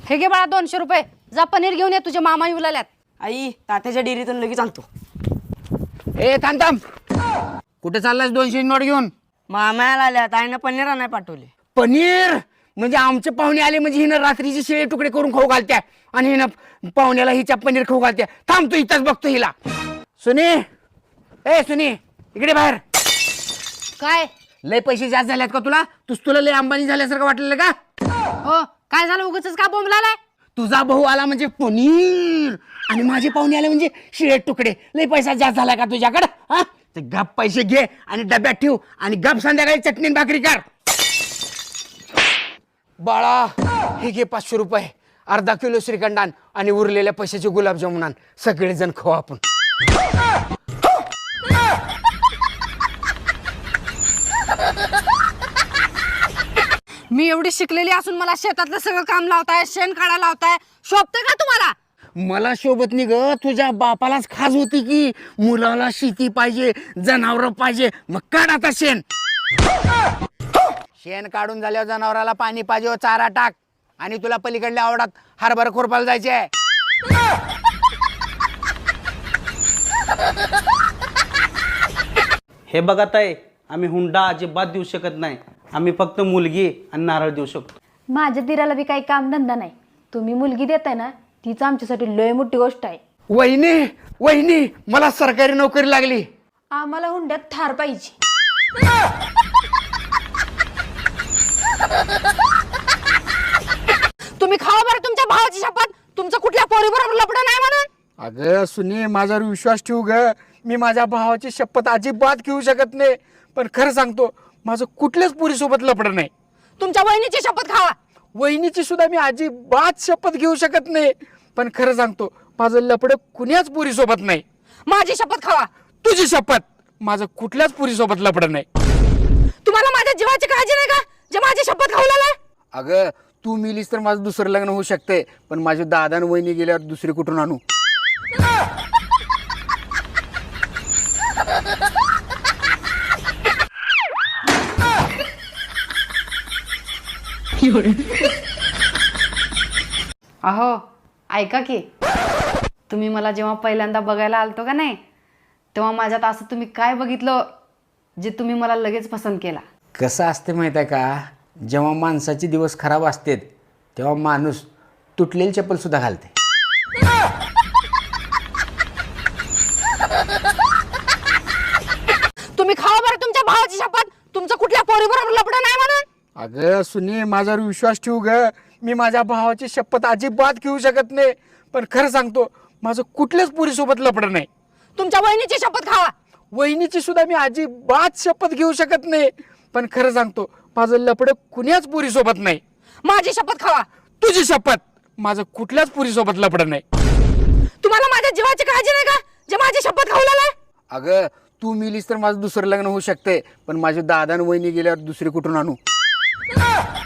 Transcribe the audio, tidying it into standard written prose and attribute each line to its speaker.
Speaker 1: हे घे बाळा 200 रुपये. जा पनीर घेऊन ये, तुझ्या मामा येऊ लागल्यात.
Speaker 2: आई तात्याच्या डेअरीतून लगेच आणतो.
Speaker 3: ए थांब थांब, कुठे चाललास 200 नोट घेऊन?
Speaker 2: मामाला आल्यात, आईनं पनीर आणाय पाठवले.
Speaker 3: पनीर म्हणजे आमचे पाहुणे आले म्हणजे हिनं रात्रीचे शिळे तुकडे करून खाऊ घालत्या आणि हिनं पाहुण्याला हिच्या पनीर खाऊ घालत्या. थांब तू इथंच बघतो हिला. सुनी, ए सुनी, इकडे बाहेर.
Speaker 1: काय
Speaker 3: लय पैसे जास्त झाल्यात का तुला लय अंबानी झाल्यासारखं वाटलेलं का?
Speaker 1: हो, काय झालं? उगाचच का बोंबलालाय?
Speaker 3: तुझा भाऊ आला म्हणजे पनीर आणि माझे पाहुणे आले म्हणजे शिळे तुकडे. लय पैसा जास्त झाला का तुझ्याकडं? हा, ते गप पैसे घे आणि डब्यात ठेव आणि गप संध्याकाळी चटणी आणि भाकरी कर. बाळा, हे घे 500 रुपये, अर्धा किलो श्रीखंडान आणि उरलेल्या पैशाचे गुलाबजामुन आण. सगळेजण खाऊ आपण.
Speaker 1: मी एवढी शिकलेली असून मला शेतातलं सगळं काम लावताय, शेण काढायला लावताय, शोभतं का तुम्हाला?
Speaker 3: मला शोभत नाही ग, तुझ्या बापालाच खास होती की मुलाला शेती पाहिजे, जनावर पाहिजे. मग काढ आता शेण. शेण काढून झाल्यावर जनावराला पाणी पाहिजे, चारा टाक. आणि तुला पलीकडल्या आवडात हरभरा खुरपायला जायचे.
Speaker 4: हे बघा ताई, आम्ही हुंडा अजिबात देऊ शकत नाही. आम्ही फक्त मुलगी आणि नारळ देऊ शकतो.
Speaker 5: माझ्या दिराला बी काही काम धंदा नाही. तुम्ही मुलगी देताय ना, तीच आमच्यासाठी लय मोठी गोष्ट आहे.
Speaker 3: वहिनी वहिनी, मला सरकारी नोकरी लागली.
Speaker 5: आम्हाला हुंड्यात थार पाहिजे.
Speaker 1: तुम्ही खावा बरं तुमच्या भावाची शपथ, तुमचं कुठल्या पोरीबरोबर लपडं नाही म्हणून.
Speaker 3: अगं सुनी, माझ्यावर विश्वास ठेवू ग. मी माझ्या भावाची शपथ अजिबात घेऊ शकत नाही. पण खरं सांगतो, माझं कुठल्याच पोरीसोबत लपडं नाही.
Speaker 1: तुमच्या बहिणीची शपथ खावा.
Speaker 3: वहिनीची सुद्धा मी अजिबात शपथ घेऊ शकत नाही. पण खरं सांगतो, माझं लपडं कुण्याच पोरीसोबत नाही.
Speaker 1: माझी शपथ खावा.
Speaker 3: तुझी शपथ, माझं कुठल्याच पोरीसोबत लपडं नाही.
Speaker 1: तुम्हाला माझ्या जीवाची काळजी नाही का, जे माझी शपथ खाऊ लागलाय?
Speaker 3: अगं, तू मिलीस तर माझं दुसरं लग्न होऊ शकते, पण माझे दादा आणि वहिनी गेल्यावर दुसरी कुठून आणू?
Speaker 1: अहो ऐका की, तुम्ही मला जेव्हा पहिल्यांदा बघायला आलतो का नाही, तेव्हा माझ्यात असं तुम्ही काय बघितलं जे तुम्ही मला लगेच पसंत केला?
Speaker 3: कसं असते माहिती आहे का, जेव्हा माणसाचे दिवस खराब असतात तेव्हा माणूस तुटलेली चप्पल सुद्धा घालते.
Speaker 1: तुम्ही खावा बरं तुमच्या भावाची शपथ, तुमचं कुठल्या पोरीबरोबर लपडं नाही म्हणून.
Speaker 3: अगं सुनी, माझ्यावर विश्वास ठेवू ग. मी माझ्या भावाची शपथ अजिबात घेऊ शकत नाही. पण खरं सांगतो, माझं कुठल्याच पोरीसोबत लपडं नाही.
Speaker 1: तुमच्या बहिणीची शपथ खावा.
Speaker 3: वहिनीची सुद्धा मी अजिबात शपथ घेऊ शकत नाही. पण खरं सांगतो, माझं लपडं कुण्याच पोरीसोबत नाही.
Speaker 1: माझी शपथ खावा.
Speaker 3: तुझी शपथ, माझं कुठल्याच पोरीसोबत लपडं नाही.
Speaker 1: तुम्हाला माझ्या जीवाची काळजी नाही का, जे माझी शपथ खाऊ लागलाय?
Speaker 3: अगं, तू मिलीस तर माझं दुसरं लग्न होऊ शकते, पण माझे दादा आणि वहिनी गेल्यावर दुसरी कुठून आणू?